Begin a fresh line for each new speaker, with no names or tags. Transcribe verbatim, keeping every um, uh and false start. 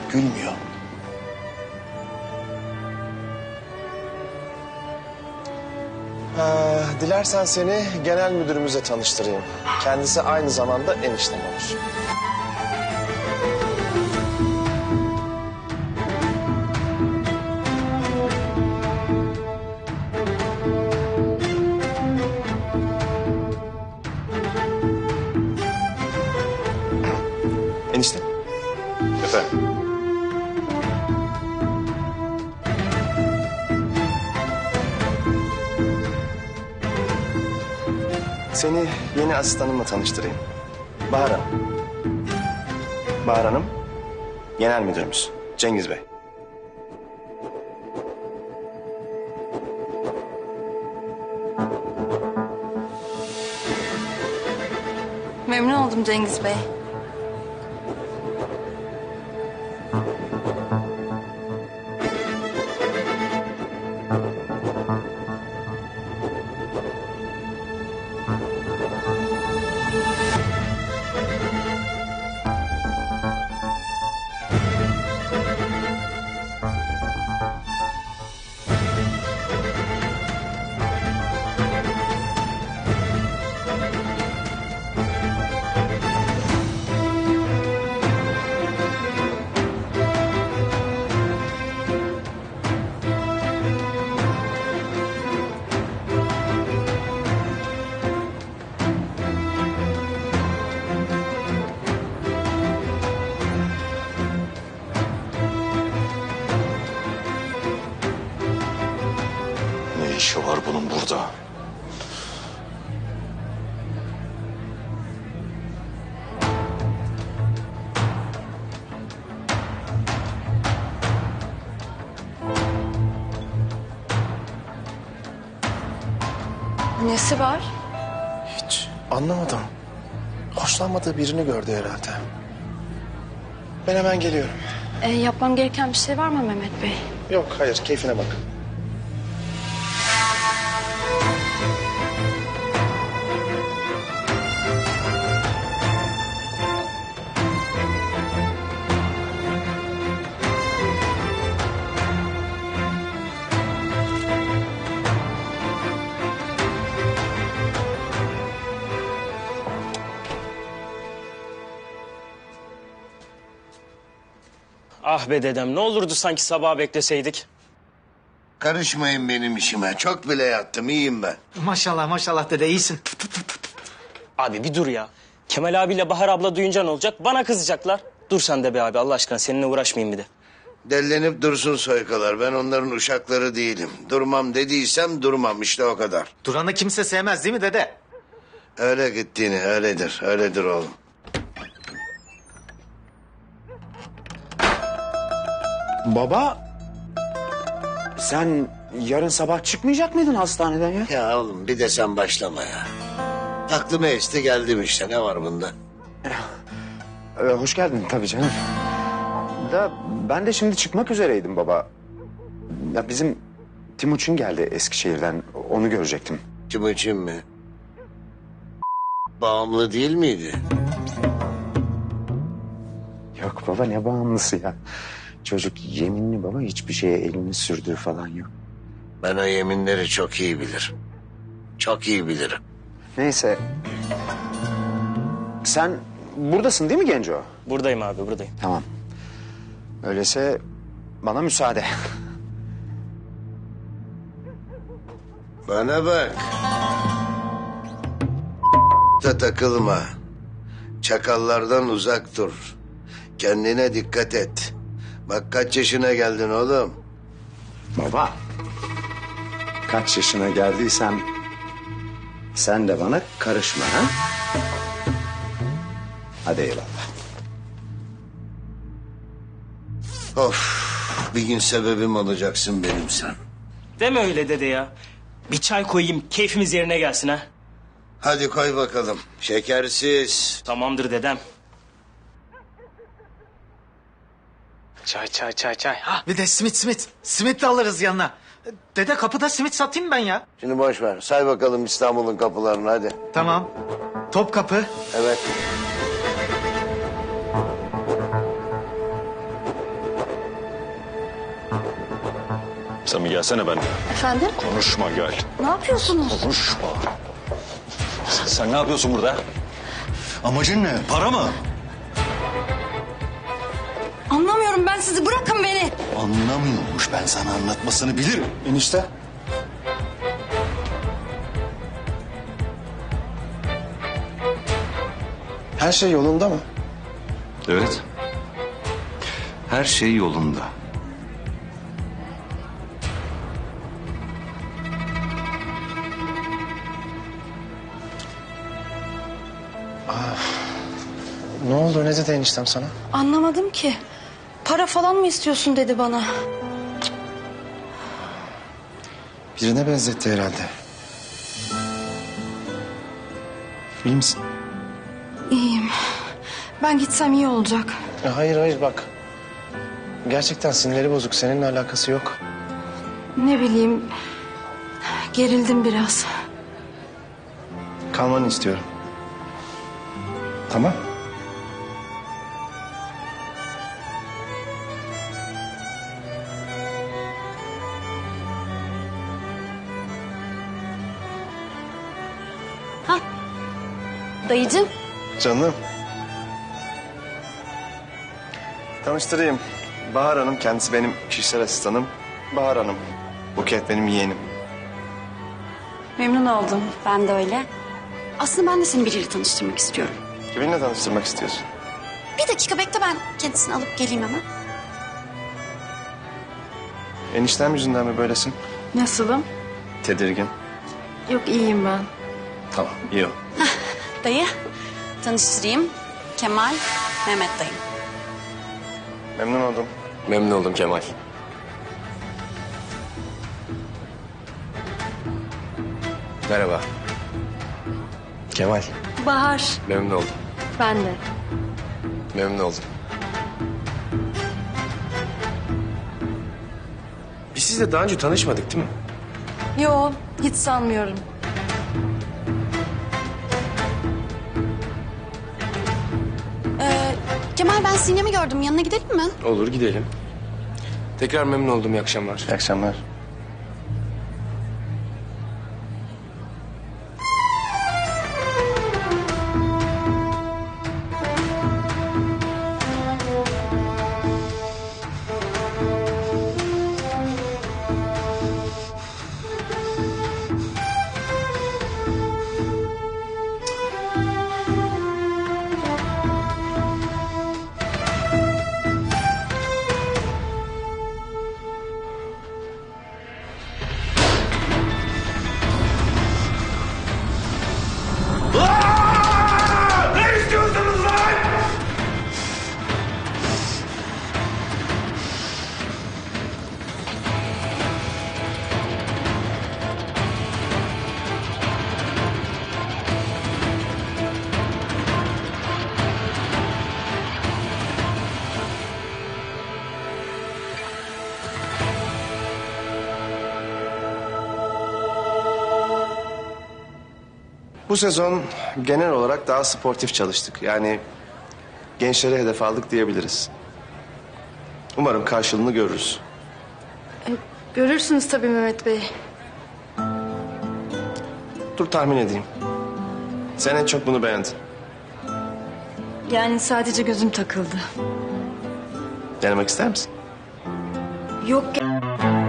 gülmüyor. Ee, dilersen seni genel müdürümüze tanıştırayım. Kendisi aynı zamanda eniştem olur. Enişte.
Efendim?
Seni yeni asistanımla tanıştırayım. Bahar Hanım. Bahar Hanım, genel müdürümüz Cengiz Bey.
Memnun oldum Cengiz Bey.
Ne işi var bunun burada?
Nesi var?
Hiç anlamadım. Hoşlanmadığı birini gördü herhalde. Ben hemen geliyorum.
Ee, yapmam gereken bir şey var mı Mehmet Bey?
Yok, hayır, keyfine bak.
Ah be dedem, ne olurdu sanki sabah bekleseydik.
Karışmayın benim işime. Çok bile yattım, iyiyim ben.
Maşallah maşallah dede iyisin.
Abi bir dur ya. Kemal abiyle Bahar abla duyunca ne olacak? Bana kızacaklar. Dur sen de be abi Allah aşkına, seninle uğraşmayayım bir de.
Dellenip dursun soykalar. Ben onların uşakları değilim. Durmam dediysem durmam, işte o kadar.
Duran'ı kimse sevmez değil mi dede?
Öyle gittiğini, öyledir, öyledir oğlum.
Baba, sen yarın sabah çıkmayacak mıydın hastaneden ya?
Ya oğlum bir de sen başlama ya. Aklıma esti geldim işte, ne var bunda?
Ee, hoş geldin tabii canım. Da ben de şimdi çıkmak üzereydim baba. Ya bizim Timuçin geldi Eskişehir'den, onu görecektim.
Timuçin mi? Bağımlı değil miydi?
Yok baba, ne bağımlısı ya. Çocuk yeminli baba, hiçbir şeye elini sürdüğü falan yok.
Ben o yeminleri çok iyi bilirim. Çok iyi bilirim.
Neyse. Sen buradasın değil mi Genco?
Buradayım abi, buradayım.
Tamam. Öyleyse bana müsaade.
Bana bak. Da takılma. Çakallardan uzak dur. Kendine dikkat et. Bak kaç yaşına geldin oğlum.
Baba. Kaç yaşına geldiysem sen de bana karışma ha? Hadi eyvallah.
Of, bir gün sebebim olacaksın benim sen.
Deme öyle dede ya. Bir çay koyayım, keyfimiz yerine gelsin ha.
Hadi koy bakalım. Şekersiz.
Tamamdır dedem. Çay çay çay çay. Ha.
Bir de simit simit. Simit de alırız yanına. Dede kapıda simit satayım ben ya.
Şimdi boş ver. Say bakalım İstanbul'un kapılarını hadi.
Tamam. Topkapı,
Evet.
Sen bir gelsene benimle.
Efendim?
Konuşma gel.
Ne yapıyorsunuz?
Konuşma. Sen ne yapıyorsun burada? Amacın ne? Para mı?
Anlamıyorum ben sizi. Bırakın beni.
Anlamıyormuş, ben sana anlatmasını bilirim.
Enişte. Her şey yolunda mı?
Evet. Her şey yolunda.
Ne oldu? Ne dedi eniştem sana?
Anlamadım ki. Para falan mı istiyorsun dedi bana.
Birine benzetti herhalde. İyi misin?
İyiyim. Ben gitsem iyi olacak.
Ya hayır hayır bak. Gerçekten sinirleri bozuk. Seninle alakası yok.
Ne bileyim. Gerildim biraz.
Kalmanı istiyorum. Tamam.
Dayıcığım.
Canım. Tanıştırayım. Bahar Hanım, kendisi benim kişisel asistanım. Bahar Hanım, Buket benim yeğenim.
Memnun oldum.
Ben de öyle. Aslında ben de seni biriyle tanıştırmak istiyorum.
Kiminle tanıştırmak istiyorsun?
Bir dakika bekle, ben kendisini alıp geleyim hemen.
Eniştem yüzünden mi böylesin?
Nasılım?
Tedirgin.
Yok iyiyim ben.
Tamam, iyi ol.
Dayı, tanıştırayım. Kemal, Mehmet dayım.
Memnun oldum.
Memnun oldum Kemal. Merhaba. Kemal.
Bahar.
Memnun oldum.
Ben de.
Memnun oldum.
Biz sizle daha önce tanışmadık değil mi?
Yo, hiç sanmıyorum.
Ee, Kemal, ben Sinem'i gördüm. Yanına gidelim mi?
Olur, gidelim. Tekrar memnun oldum. İyi akşamlar.
İyi akşamlar. Bu sezon genel olarak daha sportif çalıştık. Yani gençlere hedef aldık diyebiliriz. Umarım karşılığını görürüz.
Görürsünüz tabii Mehmet Bey.
Dur tahmin edeyim. Sen en çok bunu beğendin.
Yani sadece gözüm takıldı.
Denemek ister misin?
Yok.